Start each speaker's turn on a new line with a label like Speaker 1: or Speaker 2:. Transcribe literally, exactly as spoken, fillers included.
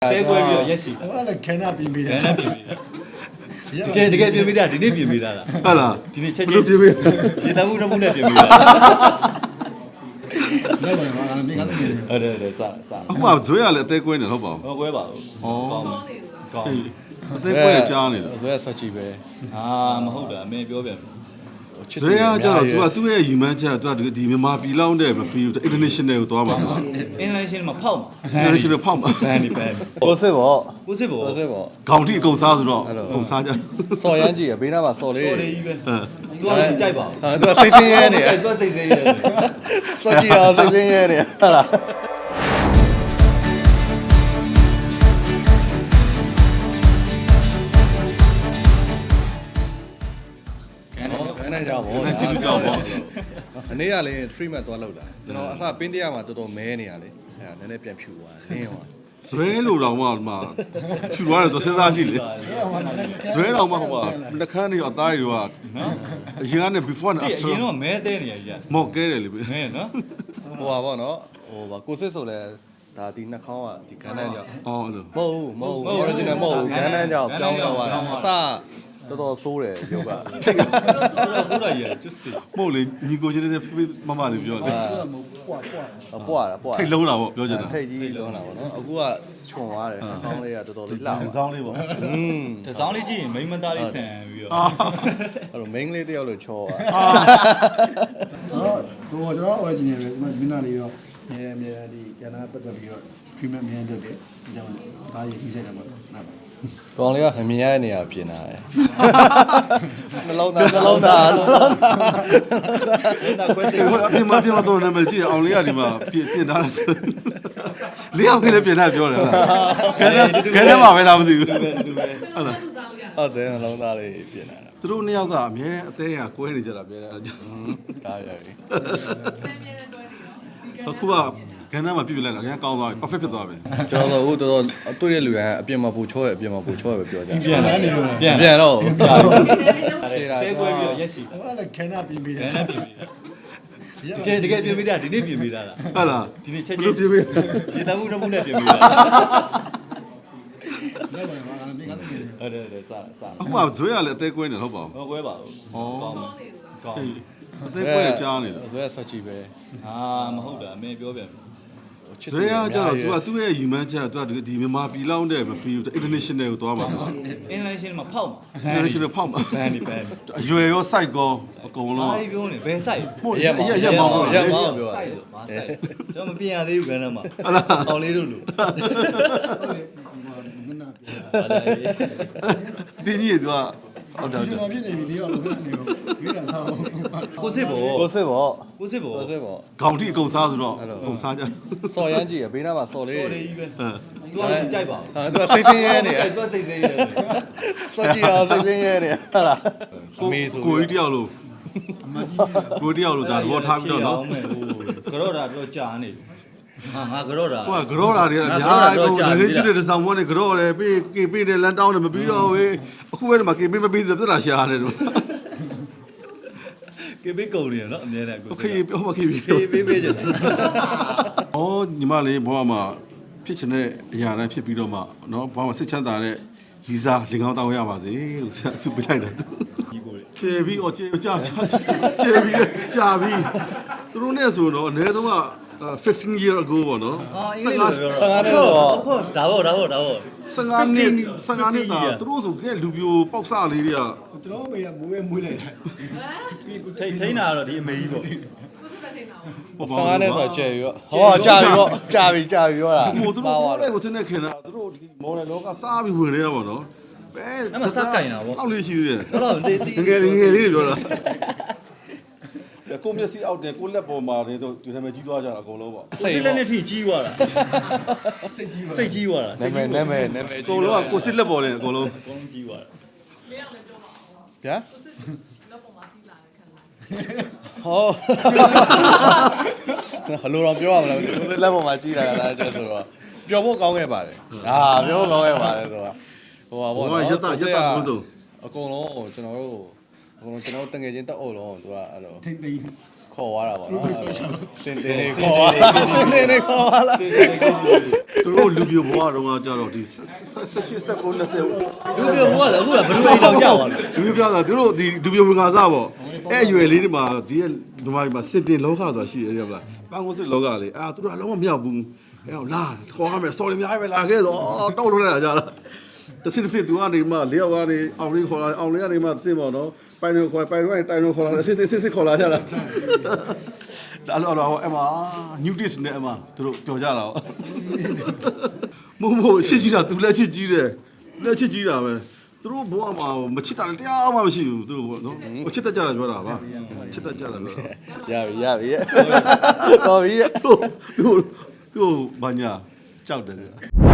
Speaker 1: တဲကွဲပြီးတော့ရက်ရှိတာ
Speaker 2: အဲ့ဒါခဲနာပြင်ပေးတယ်
Speaker 1: ခဲနဲ့ပြင်ပြီးတာတကယ်တကယ်ပြင်ပြီးတာဒီနေ့ပြင်ပြီးတာလား
Speaker 3: ဟုတ်လား
Speaker 1: ဒီနေ့ချက်ချင်းပြင်ပြီးရေတမှုတစ်မှုနဲ့ပြင်ပြီးတာ
Speaker 2: လောက်ပါပါမင်းကလည်း
Speaker 1: ဟုတ်တယ်ဟုတ်တယ်စစ
Speaker 3: အခုကဇွဲရလည်းအသေးကွဲနေဟုတ်ပါဘူး
Speaker 1: ဟောကွဲပါဘူးကောင်းကောင်း
Speaker 3: အသေးကွဲကြားနေတာ
Speaker 4: ဇွဲဆက်ကြည့်ပဲ
Speaker 1: အာမဟုတ်တာအမေပြောပြန်
Speaker 3: ဇွဲရကျတော့ तू ကသူ့ရဲ့ရီမန်းချက်က तू ကဒီမြန်မာပြည်လောက်တဲ့မပြီးဘူး international ကိုသွားမှာ
Speaker 1: international မှာဖောက်မှာ
Speaker 3: international ဖောက်မှာ
Speaker 1: ဘန်ဒီဘန်
Speaker 4: ကိုစစ်ပေါ့
Speaker 1: ကိုစစ်ဘော
Speaker 4: ကိုစစ်ပေါ့
Speaker 3: ခေါင်းထိအကုန်စားဆိုတော့အကုန်စားကြ
Speaker 4: စော်ရမ်းကြည့်ရဘေးနားမှာစော်လေး
Speaker 1: တော်လေးကြီးပဲ
Speaker 3: အဲ
Speaker 1: သူကလည်းကြိုက်ပါဘူး
Speaker 4: ဟာသူကစိတ်ဆင်းရဲနေ
Speaker 1: သူကစိတ်သေးရဲ
Speaker 4: စော်ကြည့်အောင်စိတ်ဆင်းရဲနေဟုတ်လား
Speaker 1: ကန်နဲ့
Speaker 4: ခဏကြောက်ပေါ့
Speaker 3: ကျေးဇူးကြောင့်ပေါ့
Speaker 4: အနေကလည်း three month သွားလောက်တာကျွန်တော်အစပင်းတရားမှာတော်တော်မဲနေရလေအဲနည်းနည်းပြန်ဖြူသွားလင်းသွား
Speaker 3: ဇွဲလို့တော့မှဒီမှာဖြူသွားတယ်ဆိုစဉ်းစားကြည့်လေဇွဲတော့မှဟိုမှာလက်ခန်းတွေအသားတွေကနော်အရင်ကနေ before and
Speaker 1: အ
Speaker 3: after
Speaker 1: ရင်တော့မဲတဲနေရကြီး
Speaker 3: မော့ကဲတယ်လေ
Speaker 1: မဲနော်
Speaker 4: ဟိုပါပေါ့နော်ဟိုပါကိုစစ်ဆိုလဲဒါဒီနှာခေါင်းကဒီခန်းတန်းကြောင့်
Speaker 3: အော်အဲ့လို
Speaker 4: မဟုတ်ဘူးမဟုတ်ဘူး original မဟုတ်ဘူးခန်းတန်းကြောင့်ပြောင်းသွားတာအစတော်တော်ဆိုးတယ်ရုပ်က
Speaker 1: ဆိုဆိုးတာကြီးကျွတ်စီ
Speaker 3: မို့လေညီကိုချင်းနဲ့ဖေးမမလေးပြောတယ်
Speaker 2: ဆိုတာမဟုတ်ပွားပွား
Speaker 4: ပွားတာပွား
Speaker 3: ထိတ်လုံးတာပေါ့ပြောချင်တာ
Speaker 4: ထိတ်ကြီးလုံးတာပေါ့နော်အခုကခြုံသွားတယ်နှာခေါင်းလေးကတော်တော်လေးလှ
Speaker 3: အဆောင်လေးပေါ့
Speaker 4: อืม
Speaker 1: တစောင်းလေးကြည့်ရင်မိမသားလေးဆန်ပြီးတော့
Speaker 4: အဲ့တော့ main လေးတယောက်လို့ချောသွား
Speaker 2: တော့တော့ကျွန်တော် original ပဲမင်းသားလေးရောအများအများဒီကျန်တာပတ်သက်ပြီးတော့ treatment မြန်လုပ်တယ်ဒါကြောင့်ဒါရေးပြီးဆိုင်တယ်ပေါ့နားပါ
Speaker 4: ကောင်လေးကမမြင်ရတဲ့နေရာပြင်လာတယ်နှလုံးသားနှလုံးသားနှလုံးသား
Speaker 1: ဒါခွဲစိ
Speaker 3: ဒီ
Speaker 1: တ်
Speaker 3: ဟိုအပြင်မှာပြင်မှာတော့နာမည်ကြည့်အောင်လေးကဒီမှာပြင်ပြင်ထားတယ်ဆိုလေးအောင်ကလေးပြင်ထားပြောတယ်ဟုတ်လားခဲခဲခဲမှာပဲလားမသိဘူးဟုတ်လား
Speaker 4: ဟုတ်တယ်နှလုံးသားလေးပြင်လာတာ
Speaker 3: သူတို့နှစ်ယောက်ကအမြဲအသေးကကွဲနေကြတာပြဲတယ်
Speaker 4: ဒါရပြီ
Speaker 3: အခုကခန်းသားမှာပြပြလိုက်တာအရင်ကောင်းသွားပြီ perfect ဖြစ်သွားပြီ
Speaker 4: ကျွန်တော်တို့တော်တော်တွေ့တဲ့လူတိုင်းအပြင်မှာပူချောရအပြင်မှာပူချောရပဲပြောကြတယ်
Speaker 1: ပြန်လာနေလို့ပြန်
Speaker 4: ပြန်တော့
Speaker 1: တဲကွဲပြီးတော့ရက်ရှိတာ
Speaker 2: အဲ့ဒါခဲနာပြင်ပေးတယ်
Speaker 1: ခဲနဲ့ပြင်ပြီးတာတကယ်တကယ်ပြင်ပြီးတာဒီနေ့ပြင်ပြီးတာလား
Speaker 3: ဟုတ်လား
Speaker 1: ဒီနေ့ချက်
Speaker 3: ဘယ်
Speaker 1: ချင်း
Speaker 3: လိုပြပြ
Speaker 1: ရေတမှုတစ်မှုနဲ့ပြင်ပြီးတာ
Speaker 2: လောက်ပါပါမင်းကလည်း
Speaker 1: ဟုတ်တယ်ဟုတ်တယ်စစ
Speaker 3: အခုကဇွဲရလည်းအသေးကွဲနေဟုတ်ပါဘူး
Speaker 1: ဟောကွဲပါဘူးကောင်းကောင်း
Speaker 3: အသေးကွဲကြားနေတာ
Speaker 4: ဇွဲဆက်ကြည့်ပဲ
Speaker 1: အာမဟုတ်တာအမေပြောပြန်
Speaker 3: ဇွဲရကျတော့ तू ကသူ့ရဲ့ရီမန်းချက်က तू ကဒီမြန်မာပြည်လောက်တဲ့မပြီးဘူး international ကိုသွားမှာ
Speaker 1: international မှာဖောက်မှာ
Speaker 3: international ဖောက်မှာ
Speaker 1: ဘန်ဒီဘန်
Speaker 3: အရွယ်ရော site ကောအကုန်လုံး
Speaker 1: ဘာတွေပြောနေဘယ်ဆိုင်
Speaker 3: ဟုတ်ရရရမောင်း
Speaker 4: ရမောင်းပြောတာ
Speaker 1: ဆိုင်လို့ဘာဆိုင်ကျွန်တော်မပြင်ရသေးဘူးကန်းထဲမှာအောင်လေးတို့လို့
Speaker 2: မင်းသား
Speaker 3: ဒီကြီးက तू ကဟုတ်တယ်
Speaker 2: ကျွန်တော်ဖြစ်နေပြီလေးအောင်လို့နေတော့ဒီကစားအောင်
Speaker 1: ကိုစစ်ဘော
Speaker 4: ကိုစစ်ပေါ့
Speaker 1: ကိုစစ်ဘော
Speaker 4: ကိုစစ်ပေါ့
Speaker 3: ခေါင်းထိအကုန်စားဆိုတော့အကုန်စားကြ
Speaker 4: စော်ရမ်းကြည့်ရဘေးနားမှာစော်လေး
Speaker 1: တော်လေးကြီးပဲ
Speaker 3: အဲ
Speaker 1: သူကလည်းကြိုက်ပါဘူး
Speaker 4: ဟာသူကစိတ်ဆင်းရဲနေ
Speaker 1: သူကစိတ်သေးရဲ
Speaker 4: စော်ကြည့်အောင်စိတ်ဆင်းရဲနေဟုတ်လားအမေဆို
Speaker 3: ကိုကြီးတယောက်လို့
Speaker 2: အမကြီး
Speaker 3: ကိုတယောက်လို့ဒါသဘောထားပြီးတော့နော်
Speaker 1: ကြော့တာတော့ကြာနေဟာငါကြော့တာ
Speaker 3: ကိုကကြောတာတွေအများကြီးကိုလည်းကျွတ်တဲ့ဆောင်မွန်းနေကြောတယ်ပေးကေပေးတယ်လမ်းတောင်းတယ်မပြီးတော့ဝေးအခုပဲမှာကေပေးမပြီးဆိုပြဿနာရှာရတယ်တို့
Speaker 1: ကေဘေးကုန်နေရနော်အများနဲ့ကို
Speaker 3: ခေပြောမခေပြော
Speaker 1: ပေးပေးပေးကြတယ်
Speaker 3: ။အော်ညီမလေးဘဝမှာဖြစ်ချင်တဲ့အရာတိုင်းဖြစ်ပြီးတော့မှနော်ဘဝမှာစိတ်ချမ်းသာတဲ့ရီစာလင်ကောင်းတောင်းရပါစေလို့ဆရာဆုပေးလိုက်တယ်
Speaker 1: ကြီးကိုလေ
Speaker 3: ။ကျေပြီးအော်ကျေကြာကြာကျေပြီးကြာပြီးသူတို့နဲ့ဆိုတော့အနည်းဆုံးကfifteen year ago ပေါ့နော်
Speaker 1: အာအင်္ဂလိပ်လိုပြောဟုတ်ဒါပေါ့ဒါပေါ့ဒါပေါ့
Speaker 3: 15နှစ်15နှစ်သားသူတို့ဆိုကဲလူပြိုပေါက်စလေးတွေက
Speaker 2: ကျွန်တော်မေကမွေးမွေးလိုက်တာ
Speaker 1: ထိထိန်းတာတော့ဒီအမေကြီးပေါ့
Speaker 4: ဆန်ကားနဲ့ဆိုကြဲရောဟောကြာပြီပေါ့ကြာပြီကြာပြီပြောတာ
Speaker 3: ဟိုသူတို့ဘောလေးကိုစနေခင်တာသူတို့ဒီမော်နယ်လောကစားပြီးဝင်နေတာပေါ့နော်ဘယ်အောက်လေးရှိသေးတယ်
Speaker 1: တော့တော့တေးတေး
Speaker 3: ငယ်ငယ်လေးပြောတာကိုမျက်စိအောက်တယ်ကိုလက်ပေါ်မှာတွေတော့ဒီထဲမှာကြီးသွားကြတာအကုန်လုံးပေါ့
Speaker 1: စိတ်လက်နဲ့ထိကြီးသွားတာ
Speaker 2: စိတ်ကြီးပါ
Speaker 1: စိတ်ကြီးသွားတာ
Speaker 4: နာမည်နာမည်နာမည်
Speaker 3: အကုန်လုံးကကိုစစ်လက်ပေါ်တယ်အကုန်လုံး
Speaker 1: အကုန်ကြီးသွားတာ
Speaker 4: ဗျာ
Speaker 5: လောက်ပေါ်မှာပြီးလာတယ်ခံလာ
Speaker 4: ဟောဟလိုတော့ပြောရမလားကိုယ်လက်ပေါ်မှာကြီးလာတာလားကျဆိုတော့ပျော်ဖို့ကောင်းခဲ့ပါတယ်အာပျော်ဖို့ကောင်းခဲ့ပါတယ်ဆိုတော့ဟိုပါပေါ့
Speaker 3: ဟိုကရက်တာရက်တာဘိုးစုံ
Speaker 4: အကုန်လုံးကျွန်တော်တို့အကုန်လုံးကျွန်တော်တို့တငယ်ချင်းတက်အုပ်လုံးသူကအဲ့လို
Speaker 2: ထိမ့်သိမ်း
Speaker 4: ဟခေါ်သွားတာပေါ့နော်စင်တင်နေခေါ်သွားလားစင်တင်နေခေါ်သွားလား
Speaker 3: သူတို့လူပြိုဘဝတုန်းကကြတော့ဒီဆက်ရှိဆက်ကိုနှစ်ဆယ်
Speaker 1: လူပြိုဘွားလည်းအခုကဘယ်လိုအိမ်တော့ကြောက်ပါလဲ
Speaker 3: လူပြပြတာသူတို့ဒီလူပြိုဝင်ကားစားပေါ့အဲ့အရွယ်လေးတွေမှာဒီကဒီမှာမှာစစ်တင်လောကဆိုတာရှိတယ်ကြမလားပန်းကုန်းစစ်လောကလေအာသူတို့ကလုံးဝမရောက်ဘူးအဲ့တော့လာခေါ်ရမယ် sorry အများကြီးပဲလာခဲ့ဆိုတောက်လို့လိုက်တာကြလားတစစ်တစစ်သူကနေမှလေးယောက်ကနေအောင်လေးခေါ်လာအောင်လေးကနေမှစစ်ပေါ့နော်ပိုင်လို့ခေါ်ပိုင်တော့တိုင်လို့ခေါ်လာစစ်စစ်စစ်စစ်ခေါ်လာကြလားဒါတော့တော့အမ new dish နဲ့အမသူတို့ပြောကြတာပေါ့မမို့ရှင်းကြည့်တာသူလက်ချစ်ကြီးတယ်လက်ချစ်ကြီးတာပဲသူတို့ဘဝမှာမချစ်တာတရားမှမရှိဘူးသူတို့ဘောနော်မချစ်တတ်ကြတာပြောတာပါချစ်တတ်ကြတာပြော
Speaker 4: ရပြီရပြီတော်ပြီ
Speaker 3: သူသူသူဘာညာကြောက်တယ်